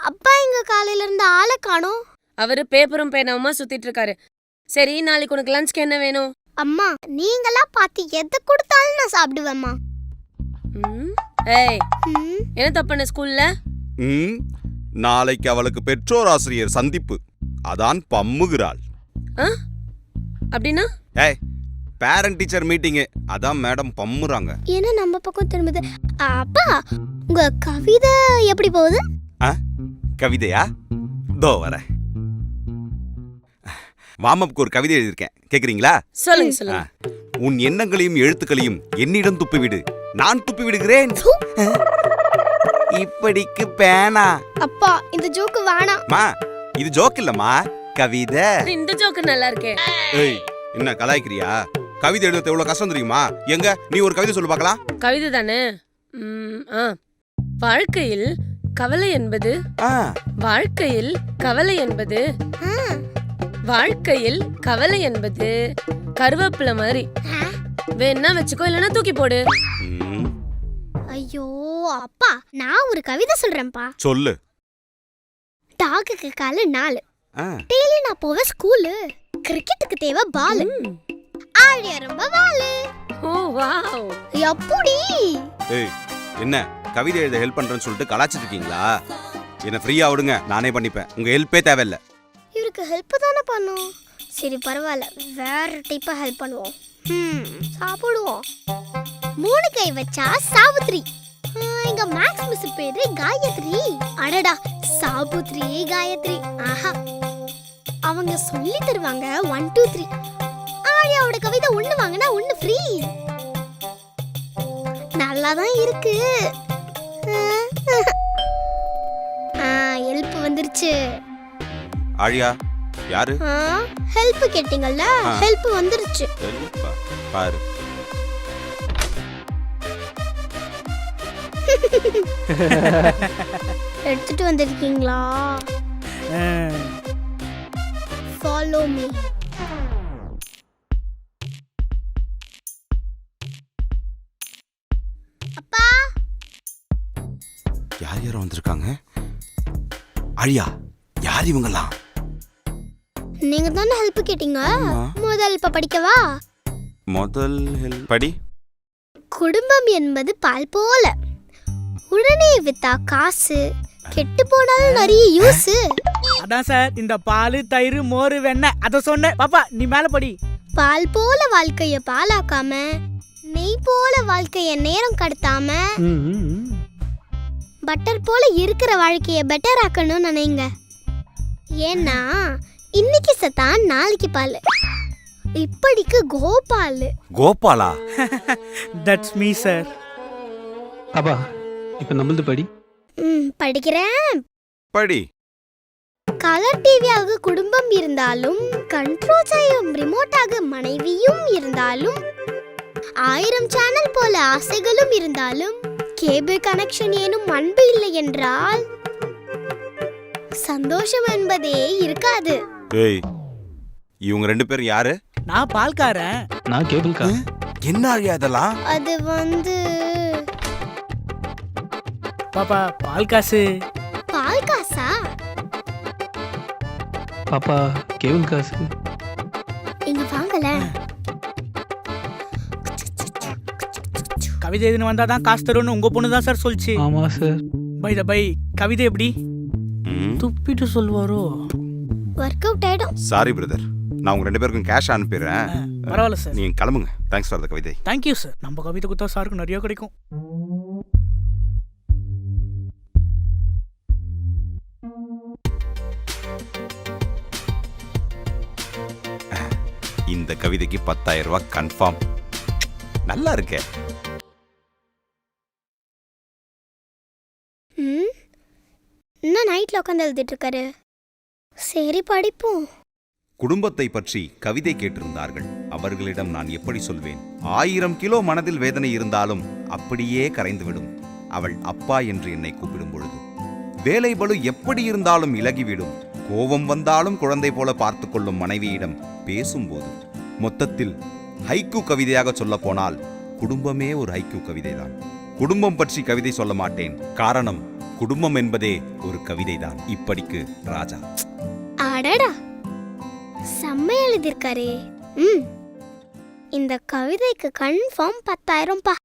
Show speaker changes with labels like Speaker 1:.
Speaker 1: அப்பா எங்க காலையில இருந்து ஆளை காணோம்.
Speaker 2: அவரு பேப்பரும் பேனாவுமா சுத்திட்டு இருக்காரு. சரி, நாளைக்கு உனக்கு லஞ்ச்க்கு என்ன வேணும்?
Speaker 1: அம்மா நீங்களா பார்த்து எதை கொடுத்தாலும் நான் சாப்பிடுவேம்மா.
Speaker 2: ஏய், என்ன தப்புன ஸ்கூல்ல?
Speaker 3: நாளைக்கு அவளுக்கு பெற்றோர் ஆசிரியர் சந்திப்பு, அதான் பம்முகிறாள்.
Speaker 2: அப்படின்னா?
Speaker 3: ஏய், பேரண்ட் டீச்சர் மீட்டிங், அதான் மேடம் பம்முறாங்க.
Speaker 1: என்ன நம்ம பக்கம் திரும்புது? அப்பா உங்க கவிதை எப்படி போகுது?
Speaker 3: கவிதையா? தோ வர. வாமப்புக்கு ஒரு கவிதை எழுதியிருக்கேன், கேக்குறீங்களா?
Speaker 2: சொல்லுங்க சொல்லுங்க.
Speaker 3: உன் எண்ணங்களையும் எழுத்துக்களையும் என்னிடம் துப்பிவிடு, நான் துப்பி விடுகிறேன். இப்படிக்கு பேனா.
Speaker 1: அப்பா இந்த ஜோக்கு வேணாம்.
Speaker 3: மா, இது ஜோக் இல்லம்மா, கவிதை.
Speaker 2: இந்த ஜோக்கு நல்லா இருக்கே.
Speaker 3: ஏய், என்ன கலாய்க்கிறியா? கவிதை எழுதுறது எவ்வளவு கஷ்டம் தெரியுமா? எங்க நீ ஒரு கவிதை சொல்லு பார்க்கலாம்.
Speaker 2: கவிதை தானே? வாழ்க்கையில் கவலை என்பது வாழ்க்கையில் கவலை என்பது வாழ்க்கையில் கவலை என்பது கருவேப்பிலை மாதிரி. வேணா வச்சுக்கோ, இல்லைன்னா தூக்கி போடு.
Speaker 1: ஐயோ அப்பா, நான் ஒரு கவிதை சொல்றேன்ப்பா.
Speaker 3: சொல்லு.
Speaker 1: டாகுக்கு காலு 4, டெய்லி நான் போவேன் ஸ்கூலு. கிரிக்கெட்டுக்கு தேவை பால், ஆழிய ரொம்ப வாலு.
Speaker 2: ஓ வாவ்,
Speaker 1: எப்படி?
Speaker 3: ஏய், என்ன கவிதை எழுத ஹெல்ப் பண்றேன்னு சொல்லிட்டு கலாச்சிட்டு இருக்கீங்களா? என்ன ஃப்ரீயா விடுங்க, நானே பண்ணிப்பேன். உங்க ஹெல்ப்பே தேவையில்லை.
Speaker 1: இவருக்கு ஹெல்ப் தானே பண்ணும். சரி பரவாயில்ல, வேற டைப்பா ஹெல்ப் பண்ணுவோம். சாப்பிடுவோம். 3 கை வச்சா சாவித்ரி. எங்க மேக்ஸ் மிஸ் பேரு காயத்ரி. அடடா, சாபுத்ரி காயத்ரி. ஆஹா, அவங்க சொல்லி தருவாங்க 1 2 3. ஆழியாவோட கவிதை 1 வாங்கினா 1 ஃப்ரீ. நல்லாதான் இருக்கு. ஹெல்ப் வந்துருச்சு.
Speaker 3: ஆழியா யாரு?
Speaker 1: ஹெல்ப் கேட்டிங்கல்ல, ஹெல்ப் வந்துருச்சு.
Speaker 3: பாரு.
Speaker 1: எடுத்துட்டு வந்திருக்கீங்களா? Follow me. அப்பா,
Speaker 3: யார் யாரும் வந்திருக்காங்க? ஆழியா, யார் இவங்கலாம்?
Speaker 1: நீங்க தானே ஹெல்ப் கேட்டீங்க. முதல் இப்ப படிக்கவா?
Speaker 3: முதல் ஹெல்ப் படி.
Speaker 1: குடும்பம் என்பது பால் போல, உடனே வித்தா காசு, கெட்டு போனாலும் நிறைய யூஸ்.
Speaker 4: அதான் சார், இந்த பால் தயிர் மோர் வெண்ணெய் அத சொன்னேன். பாப்பா நீ மேல படி.
Speaker 1: பால் போல வாழ்க்கைய பாலாக்காம, நெய் போல வாழ்க்கைய நேரம் கடத்தாம, பட்டர் போல இருக்கிற வாழ்க்கைய பெட்டர் ஆக்கணும்னு நினைங்க. ஏன்னா இன்னைக்கு சத்தான் நாளைக்கு பால். இப்படிக்கு கோபால்.
Speaker 3: கோபாலா?
Speaker 4: That's me sir.
Speaker 5: அப்பா இப்ப நம்மளது படி.
Speaker 1: படிக்கிறேன்.
Speaker 3: படி.
Speaker 1: கலர் டிவியாக குடும்பம் இருந்தாலும், கண்ட்ரோல் செய்யும் ரிமோட்டாக மனைவியும் இருந்தாலும், 1000 சேனல் போல ஆசைகளும் இருந்தாலும், கேபிள் கனெக்ஷன் ஏனும் அன்பு இல்லை என்றால் சந்தோஷம் என்பதே இருக்காது.
Speaker 3: ஏய், இவங்க 2 பேரும் யாரு?
Speaker 4: நான் பால்காரன்.
Speaker 5: நான் கேபிள்காரன்.
Speaker 3: என்ன ஆழியா இதெல்லாம்?
Speaker 1: அது வந்து
Speaker 4: பாப்பா பால் காசு.
Speaker 1: பால் காசா?
Speaker 5: பாப்பா கேபிள் காசு.
Speaker 1: இங்க வாங்கல.
Speaker 4: கவிதை எதுன்னு வந்தாதான் காசு தரும்னு உங்க பொண்ணு தான் சார் சொல்லிச்சு.
Speaker 5: ஆமா சார்.
Speaker 4: பை த பை, கவிதை எப்படி துப்பிட்டு சொல்வாரோ?
Speaker 1: வொர்க் அவுட் ஆயிடும்.
Speaker 3: சாரி பிரதர், நான் உங்க 2 பேருக்கும் கேஷ் அனுப்பிடுறேன்.
Speaker 4: பரவாயில்ல சார்,
Speaker 3: நீங்க கிளம்புங்க. தேங்க்ஸ் ஃபார் த கவிதை.
Speaker 4: Thank you sir. நம்ம கவிதை கொடுத்தா சாருக்கு நிறைய கிடைக்கும்.
Speaker 3: இந்த கவிதைக்கு 10,000 ரூபாய் கன்ஃபார்ம். நல்லா இருக்கே.
Speaker 1: இன்னும் நைட்ல உட்காந்து எழுதிட்டு இருக்காரு. சரி படிப்போம்.
Speaker 3: குடும்பத்தை பற்றி கவிதை கேட்டிருந்தார்கள். அவர்களிடம் நான் எப்படி சொல்வேன்? 1000 கிலோ மனதில் வேதனை இருந்தாலும் அப்படியே கரைந்துவிடும் அவள் அப்பா என்று என்னை கூப்பிடும் பொழுது. வேலை பளு எப்படி இருந்தாலும் இலகிவிடும். கோபம் வந்தாலும் குழந்தை போல பார்த்து கொள்ளும் மனைவியிடம் பேசும்போது. மொத்தத்தில் ஹைக்கூ கவிதையாக சொல்ல போனால் குடும்பமே ஒரு ஹைக்கூ கவிதைதான். குடும்பம் பற்றி கவிதை சொல்ல மாட்டேன். காரணம், குடும்பம் என்பதே ஒரு கவிதைதான். இப்படிக்கு ராஜா.
Speaker 1: அடடா, செம்ம எழுதியிருக்காரே. இந்த கவிதைக்கு கன்ஃபார்ம் 10,000 பா.